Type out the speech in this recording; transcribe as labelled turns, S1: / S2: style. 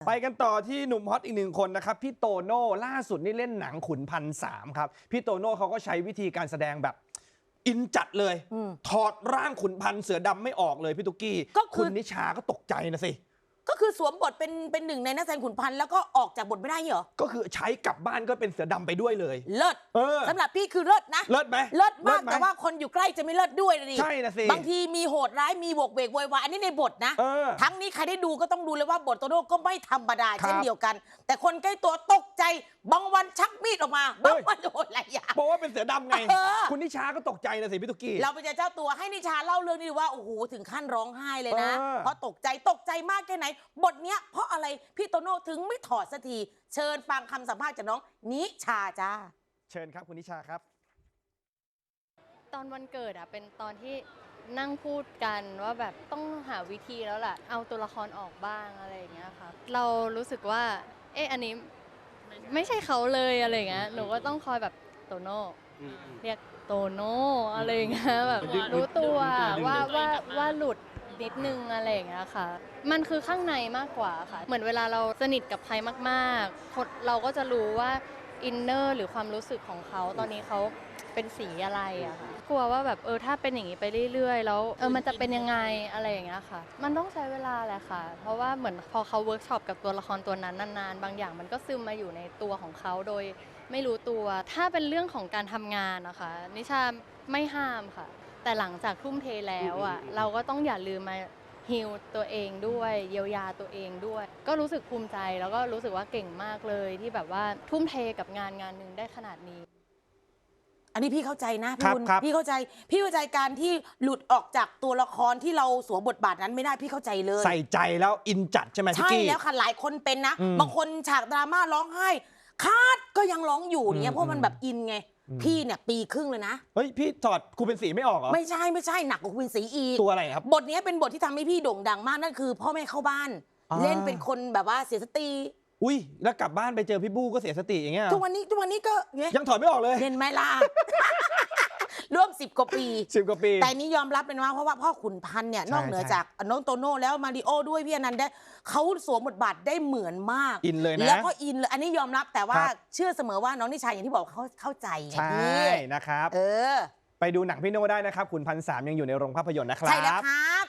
S1: ไปกันต่อที่หนุ่มฮอตอีกหนึ่งคนนะครับพี่โตโน่ล่าสุดนี่เล่นหนังขุนพันสามครับพี่โตโน่เขาก็ใช้วิธีการแสดงแบบอินจัดเลยถอดร่างขุนพันเสือดำไม่ออกเลยพี่ตุ๊กกี้คุณนิชาก็ตกใจนะสิ
S2: ก็คือสวมบทเป็นหนึ่งในนักแสดงขุนพันธ์แล้วก็ออกจากบทไม่ได้เหรอ
S1: ก็คือใช้กลับบ้านก็เป็นเสือดำไปด้วยเลย
S2: เลิศสำหรับพี่คือเลิศนะ
S1: เลิศไหม
S2: เลิศมากแต่ว่าคนอยู่ใกล้จะไม่เลิศด้วยเลย
S1: ใช่นะสิ
S2: บางทีมีโหดร้ายมีโวกเวกโวยวายอันนี้ในบทนะทั้งนี้ใครได้ดูก็ต้องดูเลยว่าบทโตโน่ก็ไม่ธรรมดาเช่นเดียวกันแต่คนใกล้ตัวตกใจบางวันชักมีดออกมาบางวันโดนอะไรอย่าง
S1: บอกว่าเป็นเสือดำไงคุณนิชาก็ตกใจนะสิพี่ตุ๊กกี้
S2: เราไปเจอเจ้าตัวให้นิชาเล่าเรื่องนี้ว่าโอ้โหถึงขั้นร้องไห้เลยนะเพราะตกใจมากแค่ไหนบทเนี้ยเพราะอะไรพี่โตโน่ถึงไม่ถอดสักทีเชิญฟังคำสัมภาษณ์จากน้องนิชาจ้า
S1: เชิญครับคุณนิชาครับ
S3: ตอนวันเกิดอะเป็นตอนที่นั่งพูดกันว่าแบบต้องหาวิธีแล้วแหละเอาตัวละครออกบ้างอะไรอย่างเงี้ยค่ะเรารู้สึกว่าอันนี้ไม่ใช่เขาเลยอะไรอย่างเงี้ยหนูก็ต้องคอยแบบโตโน่เรียกโตโน่อะไรอย่างเงี้ยแบบรู้ตัวว่าหลุดนิดนึงอะไรอย่างเงี้ยค่ะมันคือข้างในมากกว่าค่ะเหมือนเวลาเราสนิทกับใครมากๆเราก็จะรู้ว่าอินเนอร์หรือความรู้สึกของเขาตอนนี้เขาเป็นสีอะไรอะค่ะกลัวว่าแบบถ้าเป็นอย่างนี้ไปเรื่อยๆแล้วมันจะเป็นยังไงอะไรอย่างเงี้ยค่ะมันต้องใช้เวลาแหละค่ะเพราะว่าเหมือนพอเขาเวิร์กช็อปกับตัวละครตัวนั้นนานๆบางอย่างมันก็ซึมมาอยู่ในตัวของเขาโดยไม่รู้ตัวถ้าเป็นเรื่องของการทำงานนะคะนิชาไม่ห้ามค่ะแต่หลังจากทุ่มเทแล้วอ่ะเราก็ต้องอย่าลืมมาฮีลตัวเองด้วยเยียวยาตัวเองด้วยก็รู้สึกภูมิใจแล้วก็รู้สึกว่าเก่งมากเลยที่แบบว่าทุ่มเทกับงานหนึ่งได้ขนาดนี้
S2: อันนี้พี่เข้าใจนะพี่เข้าใจการที่หลุดออกจากตัวละครที่เราสวมบทบาทนั้นไม่ได้พี่เข้าใจเลย
S1: ใส่ใจแล้วอินจัดใช่ไหมพี่กี้
S2: ใช่แล้วค่ะหลายคนเป็นนะบางคนฉากดราม่าร้องไห้คาดก็ยังร้องอยู่เนี่ยเพราะมันแบบอินไงพี่เนี่ยปีครึ่งเลยนะ
S1: เฮ้ยพี่ถอดครูเป็นสีไม่ออกเหรอ
S2: ไม่ใช่หนักกว่าครูเป็นสีอีก
S1: ตัวอะไรครับ
S2: บทนี้เป็นบทที่ทำให้พี่โด่งดังมากนั่นคือพ่อแม่เข้าบ้านเล่นเป็นคนแบบว่าเสียสติ
S1: อุ้ยแล้วกลับบ้านไปเจอพี่บู้ก็เสียสติอย่างเงี้ย
S2: ทุกวันนี้ก็
S1: ยังถอดไม่ออกเลย
S2: เห็นไหมล่ะ ร่วม10 กว่าปีแต่นี้ยอมรับเลยนะเพราะว่าพ่อขุนพันธ์เนี่ยนอกเหนือจากน้องโตโน่แล้วมาริโอด้วยพี่อนันต์ได้เขาสวมบทบาทได้เหมือนมาก
S1: อินเลยนะ
S2: แล้วก็อินเลยอันนี้ยอมรับแต่ว่าเชื่อเสมอว่าน้องนิชาอย่างที่บอกเขาเข้าใจไงพี่
S1: นะครับไปดูหนังพี่โน่ได้นะครับขุนพันสามยังอยู่ในโรงภาพยนตร์นะครับ
S2: ใช่แล้วครับ